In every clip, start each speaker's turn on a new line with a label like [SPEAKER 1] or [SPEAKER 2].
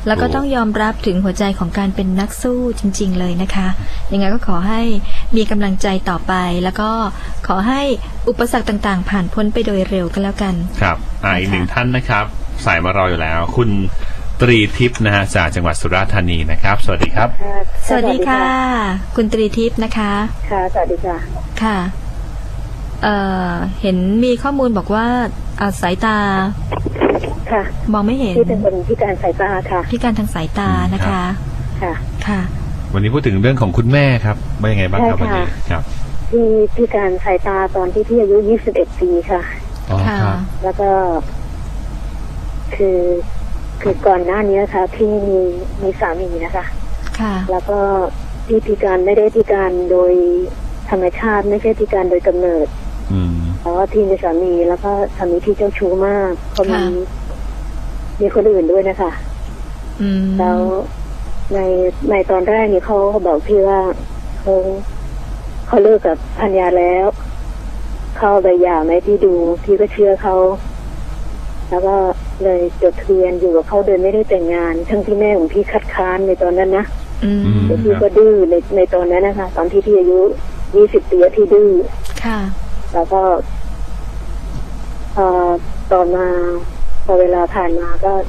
[SPEAKER 1] แล้วก็ต้องยอมรับถึงหัวใจของการเป็นนักสู้จริงๆเลยนะคะยังไงก็ขอให้มีกำลังใจต่อไปแล้วก็ขอให้อุปสรรคต่างๆผ่านพ้นไปโดยเร็วก็แล้วกัน
[SPEAKER 2] ครับอีกหนึ่งท่านนะครับสายมารออยู่แล้วคุณตรีทิพย์นะฮะจากจังหวัดสุราษฎร์ธานีนะครับสวัสดีครับ
[SPEAKER 1] สวัสดีค่ะคุณตรีทิพย์นะคะ
[SPEAKER 3] ค่ะสวัสดีค่ะ
[SPEAKER 1] ค่ะเห็นมีข้อมูลบอกว่าสายตา
[SPEAKER 3] ค่ะ
[SPEAKER 1] มองไม่เห็น
[SPEAKER 3] ที่เป็นคนพิการสายตาค่ะ
[SPEAKER 1] พิการทางสายตานะคะ
[SPEAKER 3] ค่ะ
[SPEAKER 1] ค่ะ
[SPEAKER 2] วันนี้พูดถึงเรื่องของคุณแม่ครับว่ายังไงบ้างครับวันนี้ครับ
[SPEAKER 3] ที่พิการสายตาตอนที่พี่อายุ21 ปีค่ะ
[SPEAKER 1] ค่ะ
[SPEAKER 3] แล้วก็คือก่อนหน้านี้ค่ะพี่มีสามีนะคะ
[SPEAKER 1] ค่ะ
[SPEAKER 3] แล้วก็ที่พิการไม่ได้พิการโดยธรรมชาติไม่ใช่พิการโดยกำเนิดเพราะว่าพี่มีสามีแล้วก็สามีที่เจ้าชู้มากเขามีคนอื่นด้วยนะคะแล้วในตอนแรกนี่เขาบอกพี่ว่าเขาเลิกกับภรรยาแล้วเขาใบหย่าไหมพี่ดูพี่ก็เชื่อเขาแล้วก็เลยจดทะเบียนอยู่กับเขาโดยไม่ได้แต่งงานทั้งที่แม่ของพี่คัดค้านในตอนนั้นนะแต่พี่ก็ดื้อในตอนนั้นนะคะตอนที่พี่อายุ20 ปีที่ดื้อ
[SPEAKER 1] ค่ะ
[SPEAKER 3] แล้วก็ต่อมาพอเวลาผ่านมาก็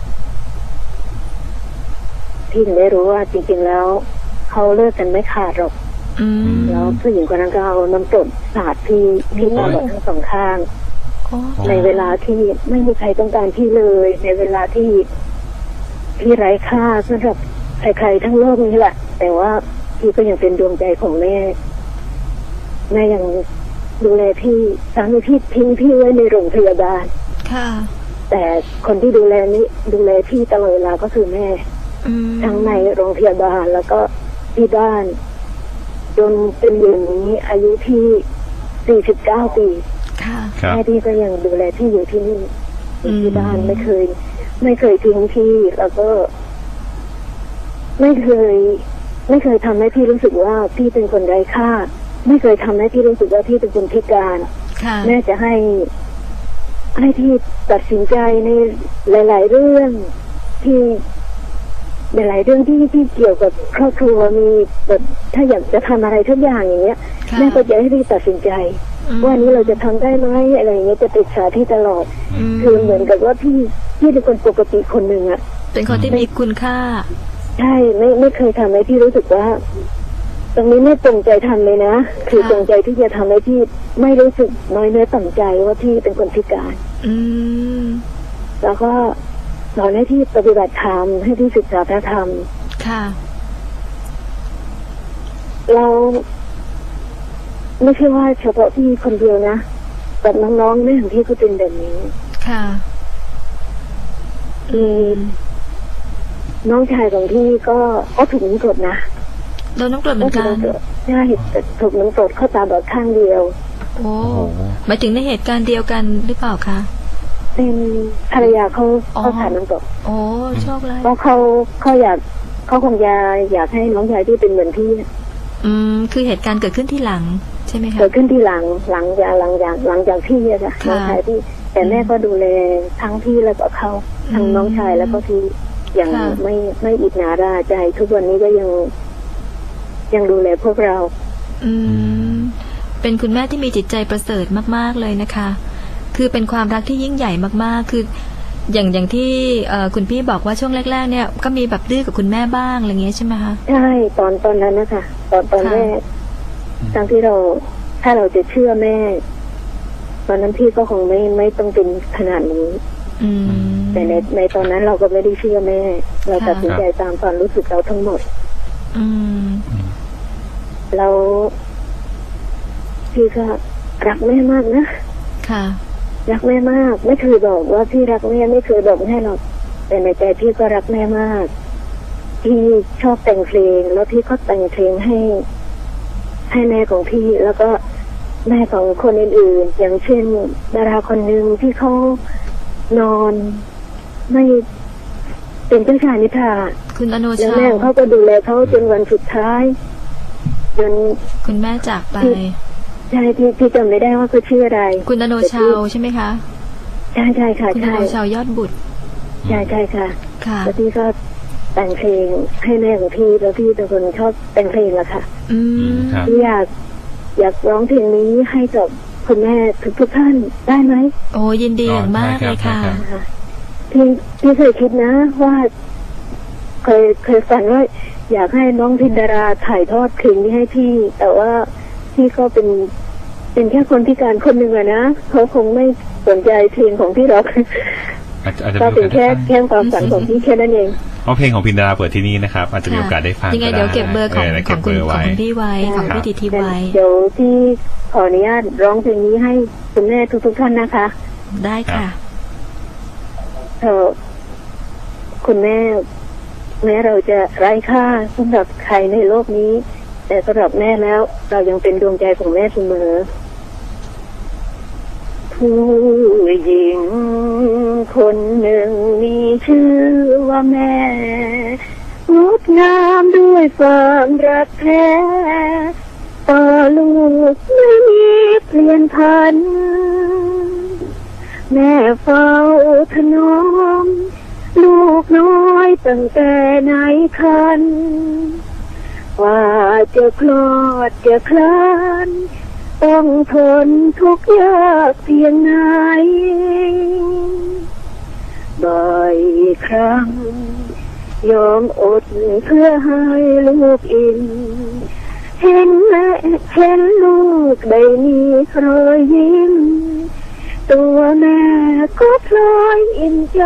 [SPEAKER 3] พี่ถึงได้รู้ว่าจริงๆแล้วเขาเลิกกันไม่ขาดหรอกแล้วผู้หญิงคนนั้นก็เอาน้ำกรดสาดพี่ตาบอดทั้งสองข้างในเวลาที่ไม่มีใครต้องการพี่เลยในเวลาที่พี่ไร้ค่าสำหรับใครๆทั้งโลกนี้แหละแต่ว่าพี่ก็ยังเป็นดวงใจของแม่ยังดูแลพี่สามีพี่ทิ้งพี่ไว้ในโรงพยาบาล
[SPEAKER 1] ค่ะ
[SPEAKER 3] แต่คนที่ดูแลพี่ตลอดเวลาก็คือแม่ทั้งในโรงพยาบาลแล้วก็ที่บ้านจนเป็นอย่างนี้อายุที่49 ปีแม่พี่ก็ยังดูแลพี่อยู่ที่นี่ที่บ้านไม่เคยทิ้งพี่แล้วก็ไม่เคยทำให้พี่รู้สึกว่าพี่เป็นคนไร้ค่าไม่เคยทำให้พี่รู้สึกว่าพี่เป็นคนพิการแม่จะให้พี่ตัดสินใจในหลายๆเรื่องที่หลายๆเรื่องที่เกี่ยวกับครอบครัวมีแบบถ้าอยากจะทำอะไรทุกอย่างอย่างเงี้ยแม่ก็จะให้พี่ตัดสินใจว่านี้เราจะทำได้ไหมอะไรอย่างเงี้ยจะปรึกษาที่ตลอดคือเหมือนกับว่าพี่เป็นคนปกติคนหนึ่งอะ
[SPEAKER 1] เป็นคนที่มีคุณค่า
[SPEAKER 3] ใช่ไม่เคยทำให้พี่รู้สึกว่าตรงนี้ไม่ตรงใจทำเลยนะคือตรงใจที่จะทำให้พี่ไม่รู้สึกน้อยเนื้อต่ำใจว่าพี่เป็นคนพิการแล้วก็สอนให้พี่ปฏิบัติธรรมให้พี่ศึกษาพระธรรม
[SPEAKER 1] ค่ะ
[SPEAKER 3] เราไม่ใช่ว่าเฉพาะพี่คนเดียวนะแต่น้องๆแม่ของพี่ก็เป็นแบบนี้
[SPEAKER 1] ค่ะ
[SPEAKER 3] น้องชายของพี่ก็ถูกน้ำกรดนะ
[SPEAKER 1] โดนน้ำกรดเหมือนกัน
[SPEAKER 3] ใช่ถูกน้ำกรดเข้าตาบอดข้างเดียว
[SPEAKER 1] โอ้หมายถึงในเหตุการณ์เดียวกันหรือเปล่าคะ
[SPEAKER 3] เป็นภรรยาเขาผ่านน้ำกรด
[SPEAKER 1] โอ้โชคร้าย
[SPEAKER 3] เพราะเขาคงอยากให้น้องชายที่เป็นเหมือนพี่
[SPEAKER 1] คือเหตุการณ์เกิดขึ้นที่หลังใช่ไหมคะ
[SPEAKER 3] เกิดขึ้นที่หลังจากพี่อะค่ะน้องชายพี่แต่แม่ก็ดูแลทั้งพี่แล้วก็เขาทั้งน้องชายแล้วก็พี่อย่างไม่อิจฉาราใจทุกวันนี้ก็ยังดูแลพวกเรา
[SPEAKER 1] เป็นคุณแม่ที่มีจิตใจประเสริฐมากๆเลยนะคะคือเป็นความรักที่ยิ่งใหญ่มากๆคืออย่างที่คุณพี่บอกว่าช่วงแรกๆเนี่ยก็มีแบบดื้อกับคุณแม่บ้างอะไรเงี้ยใช่ไหมคะ
[SPEAKER 3] ใช่ตอนนั้นนะคะตอนแรกทั้งที่ถ้าเราจะเชื่อแม่ตอนนั้นพี่ก็คงไม่ต้องเป็นขนาดนี้แต่ในตอนนั้นเราก็ไม่ได้เชื่อแม่เราตัดสินใจตามความรู้สึกเราทั้งหมดเราพี่ก็รักแม่มากนะ
[SPEAKER 1] ค่ะ
[SPEAKER 3] รักแม่มากไม่เคยบอกว่าพี่รักแม่ไม่เคยบอกให้หรอกแต่ในใจพี่ก็รักแม่มากพี่ชอบแต่งเพลงแล้วพี่ก็แต่งเพลงให้แม่ของพี่แล้วก็แม่ของคนอื่นๆอย่างเช่นดาราคนหนึ่งที่เขานอนไม่เป็นเจ้าชายนิทรา
[SPEAKER 1] คุณอโนชา
[SPEAKER 3] แล้วแม่เขาก็ดูแลเขาจนวันสุดท้ายจน
[SPEAKER 1] คุณแม่จากไป
[SPEAKER 3] ใช่พี่จำไม่ได้ว่าเขาชื่ออะไร
[SPEAKER 1] คุณอโนชาวใช่ไหมคะ
[SPEAKER 3] ใช่ค่ะ
[SPEAKER 1] คุณอโนชาวยอดบุตร
[SPEAKER 3] ใช่ค่ะ
[SPEAKER 1] ค่ะ
[SPEAKER 3] แล้วพี่ก็แต่งเพลงให้แม่ของพี่แล้วพี่เป็นคนชอบแต่งเพลงอะค่ะ
[SPEAKER 1] อืม
[SPEAKER 2] ครับ
[SPEAKER 3] พี่อยากร้องเพลงนี้ให้กับคุณแม่ทุกท่านได้ไหม
[SPEAKER 1] โอ้ยินดีอย่างมากเลยค่ะ
[SPEAKER 2] ได้ครับ
[SPEAKER 3] นะคะพี่เคยคิดนะว่าเคยฝันว่าอยากให้น้องพินดาราถ่ายทอดเพลงนี้ให้พี่ แต่ว่าพี่ก็เป็นแค่คนพิการคนหนึ่งอะนะเขาคงไม่สนใจเพลงของพี่หรอก
[SPEAKER 2] อาจจะ
[SPEAKER 3] ก็เป็นแค่ความฝันของพี่แค่นั้นเอง
[SPEAKER 2] เอาเพลงของพินดาราเปิดที่นี่นะครับ อาจจะมีโอกาสได้ฟัง
[SPEAKER 1] ยังไง
[SPEAKER 2] ก็
[SPEAKER 1] เดี๋ยวเก็บเบอร์ของ
[SPEAKER 2] ได้
[SPEAKER 1] ข
[SPEAKER 2] เก็
[SPEAKER 1] อง
[SPEAKER 2] บ
[SPEAKER 1] คุ
[SPEAKER 2] เบ
[SPEAKER 1] ณ
[SPEAKER 2] อร์
[SPEAKER 1] ของ
[SPEAKER 2] ไว้
[SPEAKER 1] คุณพี่ไว้ของพี่ติทิพย์ไว้
[SPEAKER 3] เดี๋ยวพี่ขออนุญาตร้องเพลงนี้ให้คุณแม่ทุกท่านนะคะ
[SPEAKER 1] ได้ค่ะ
[SPEAKER 3] คุณแม่เราจะไร้ค่าสำหรับใครในโลกนี้ แต่สำหรับแม่แล้วเรายังเป็นดวงใจของแม่เสมอผู้หญิงคนหนึ่งมีชื่อว่าแม่งดงามด้วยความรักแท้ต่อลูกไม่มีเปลี่ยนพันแม่เฝ้าถนอมลูกน้อยตั้งแต่ในครรภ์ว่าจะคลอดจะคลานต้องทนทุกข์ยากเพียงไหนบ่อยครั้งยอมอดเพื่อให้ลูกอิ่มเห็นลูกได้มีรอยยิ้มตัวแม่ก็พลอยอิ่มใจ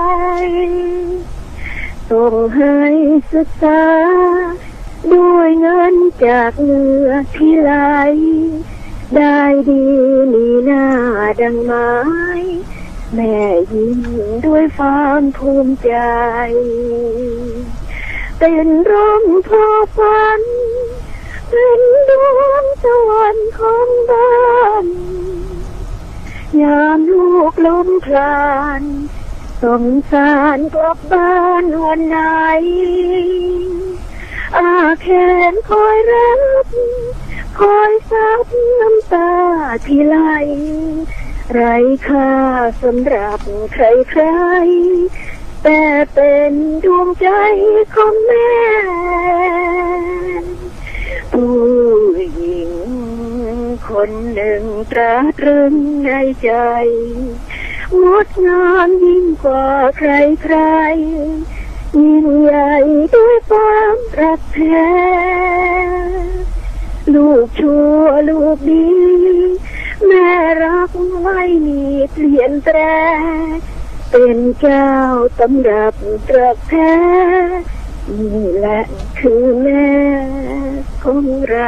[SPEAKER 3] ส่งให้ศึกษาด้วยเงินจากเหงื่อที่ไหลได้ดีมีหน้าดังไม้แม่ยิ้มด้วยความภูมิใจเป็นร่มโพฝันเป็นดวงสวรรค์ของบ้านยามลูกล้มคลานสงสารกลับบ้านวันไหนอาแขนคอยรับคอยซับน้ำตาที่ไหลไร้ค่าสำหรับใครๆแต่เป็นดวงใจของแม่ผู้หญิงคนหนึ่งตราตรึงในใจงดงามยิ่งกว่าใครๆยิ่งใหญ่ด้วยความรักแท้ลูกชั่วลูกดีแม่รักไม่มีเปลี่ยนแปลงเป็นเจ้าตำรับรักแท้นี่แหละคือแม่ของเรา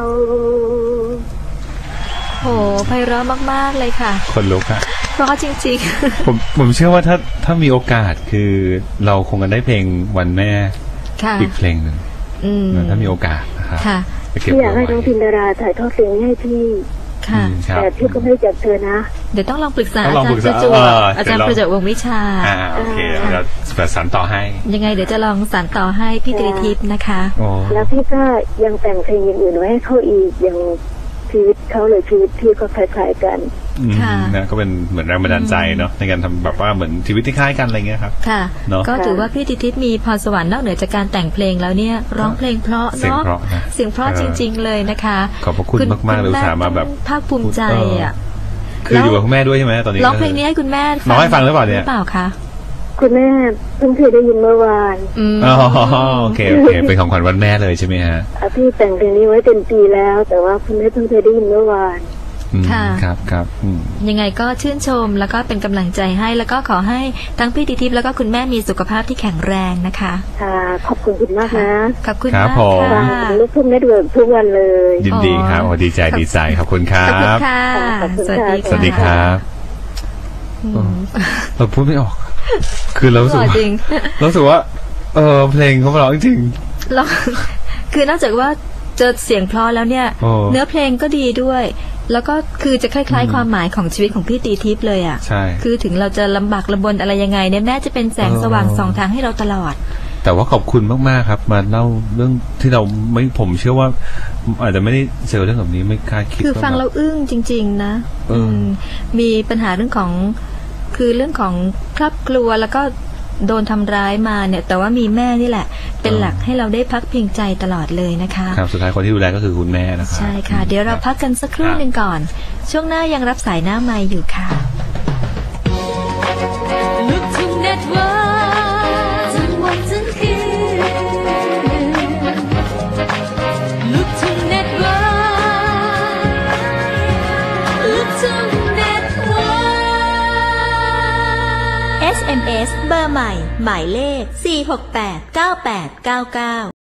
[SPEAKER 1] โหไพเราะมากๆเลยค่ะ
[SPEAKER 2] คนลุกอะ
[SPEAKER 1] เพราะจริง
[SPEAKER 2] ผมเชื่อว่าถ้ามีโอกาสคือเราคงจะได้เพลงวันแม่
[SPEAKER 1] ๆ ค่ะ
[SPEAKER 2] อีกเพลงหนึ่ง ถ้ามีโอกาสนะครับ
[SPEAKER 1] ค่ะ
[SPEAKER 2] ไปเก็บ
[SPEAKER 3] พี่อยาก
[SPEAKER 2] ไว้
[SPEAKER 3] ให้น้องพินดาราถ่ายทอดเพลงนี้ให้พี่
[SPEAKER 1] ค่ะ
[SPEAKER 2] ครับ
[SPEAKER 3] แต่พี่ก็ไม่จับเธอนะ
[SPEAKER 1] เดี๋ยวต้องลองปรึกษา
[SPEAKER 2] ต้
[SPEAKER 1] อา
[SPEAKER 2] องลอง
[SPEAKER 1] จาร
[SPEAKER 2] ปรึ
[SPEAKER 1] ย์
[SPEAKER 2] ก
[SPEAKER 1] ป
[SPEAKER 2] ษา
[SPEAKER 1] ระจวบอาจารย์
[SPEAKER 2] เดี๋ยวลอง
[SPEAKER 1] ประจวบวงศ์วิชา
[SPEAKER 2] โอเคเดี๋ยวประสานต่อให้
[SPEAKER 1] ยังไงเดี๋ยวจะลองสานต่อให้พี่ตรีทิพย์นะคะ
[SPEAKER 2] โอ้
[SPEAKER 3] แล้วพี่ก็ยังแต่งเพลงอย่างอื่นไว้ให้เขาอีกอย่างชีวิตเขาเลยชีวิตพี่ก็คล้ายๆกัน
[SPEAKER 1] ค่ะ
[SPEAKER 2] นะก็เป็นเหมือนแรงบันดาลใจเนาะในการทำแบบว่าเหมือนชีวิตที่คล้ายกันอะไรเงี้ยครับ
[SPEAKER 1] ค่ะ
[SPEAKER 2] เนอะ
[SPEAKER 1] ก็ถือว่าพี่ตรีทิพย์มีพรสวรรค์นอกเหนือจากการแต่งเพลงแล้วเนี่ยร้องเพลงเพราะ
[SPEAKER 2] เสียง
[SPEAKER 1] เนาะ
[SPEAKER 2] เพราะนะ
[SPEAKER 1] เสียงเพราะจริง ๆ เลยนะคะ
[SPEAKER 2] ขอบพระคุณมากๆเลยอุตส่าห์มาแบบ
[SPEAKER 1] ภาคภูมิใจอ่ะ
[SPEAKER 2] คืออยู่กับคุณแม่ด้วยใช่ไหมตอนนี้
[SPEAKER 1] ร้องเพลงนี้ให้คุณแม่
[SPEAKER 2] ร้องให้ฟังหรือเปล่าเนี่ย
[SPEAKER 1] หรือเปล่าคะ
[SPEAKER 3] คุณแม่เพิ่งเคยได้ยินเมื่อวาน
[SPEAKER 2] อ๋อโอเคเป็นของขวัญวันแม่เลยใช่ไหมฮะ
[SPEAKER 3] พี่แต่งเพลงนี้ไว้เป็นปีแล้ว แต่ว่าคุณแม่เพิ่งเคยได้ยินเมื่อวาน
[SPEAKER 2] ครับ
[SPEAKER 1] ยังไงก็ชื่นชมแล้วก็เป็นกำลังใจให้แล้วก็ขอให้ทั้งพี่ตรีทิพย์แล้วก็คุณแม่มีสุขภาพที่แข็งแรงนะคะ
[SPEAKER 3] ค่ะขอบคุณคุณมากนะ
[SPEAKER 1] ขอบคุณ
[SPEAKER 2] ครับ
[SPEAKER 1] มาก
[SPEAKER 2] ผม
[SPEAKER 1] ค่ะ
[SPEAKER 3] ฟังลูกทุ่งเน็ตเวิร์กทุกวันเลย
[SPEAKER 2] ยินดีครับโอ้ดีใจขอบคุณครั
[SPEAKER 1] ขอบคุณ
[SPEAKER 2] บ
[SPEAKER 1] ค่ะ
[SPEAKER 3] ขอบคุณ
[SPEAKER 1] สวัส
[SPEAKER 3] ค่ะ
[SPEAKER 1] ดี
[SPEAKER 2] สวัสดีครับ
[SPEAKER 1] อืม
[SPEAKER 2] เราพูดไม่ออก คือเรารู้สึก
[SPEAKER 1] หล่อ
[SPEAKER 2] ว่า
[SPEAKER 1] จริง
[SPEAKER 2] รู้สึกว่าเพลงเขาเพราะจริง
[SPEAKER 1] แล้วคือนอกจากว่าเจอเสียงเพราะแล้วเนี่ย
[SPEAKER 2] โอ้
[SPEAKER 1] เนื้อเพลงก็ดีด้วย แล้วก็คือจะคล้ายๆความหมายของชีวิตของพี่ตรีทิพย์เลยอ่ะ
[SPEAKER 2] ใช่
[SPEAKER 1] คือถึงเราจะลำบากลำบนอะไรยังไงเนี่ยแม่จะเป็นแสงสว่างส่องทางให้เราตลอด
[SPEAKER 2] แต่ว่าขอบคุณมากๆครับ มาเล่าเรื่องที่เราไม่ผมเชื่อว่า อาจจะไม่ได้เจอเรื่องแบบนี้ไม่คาดคิด
[SPEAKER 1] คือฟัง
[SPEAKER 2] ว่า
[SPEAKER 1] เราอึ้งจริง ๆ นะ
[SPEAKER 2] เอออื
[SPEAKER 1] มีปัญหาเรื่องของคือเรื่องของครอบครัวแล้วก็โดนทำร้ายมาเนี่ยแต่ว่ามีแม่นี่แหละ เป็นหลักให้เราได้พักพิงใจตลอดเลยนะคะ
[SPEAKER 2] ครับสุดท้ายคนที่ดูแลก็คือคุณแม่นะครับ
[SPEAKER 1] ใช่ค่ะ เดี๋ยวเราพักกันสักครู่หนึ่งก่อน ช่วงหน้ายังรับสายหน้าไมค์อยู่ค่ะ
[SPEAKER 4] ลูกทุ่งเน็ตเวิร์กทั้งวันทั้งคืนลูกทุ่งเน็ตเวิร์กลูกทุ่งเน็ตเวิร์ก
[SPEAKER 5] SMS เบอร์ใหม่หมายเลข4689899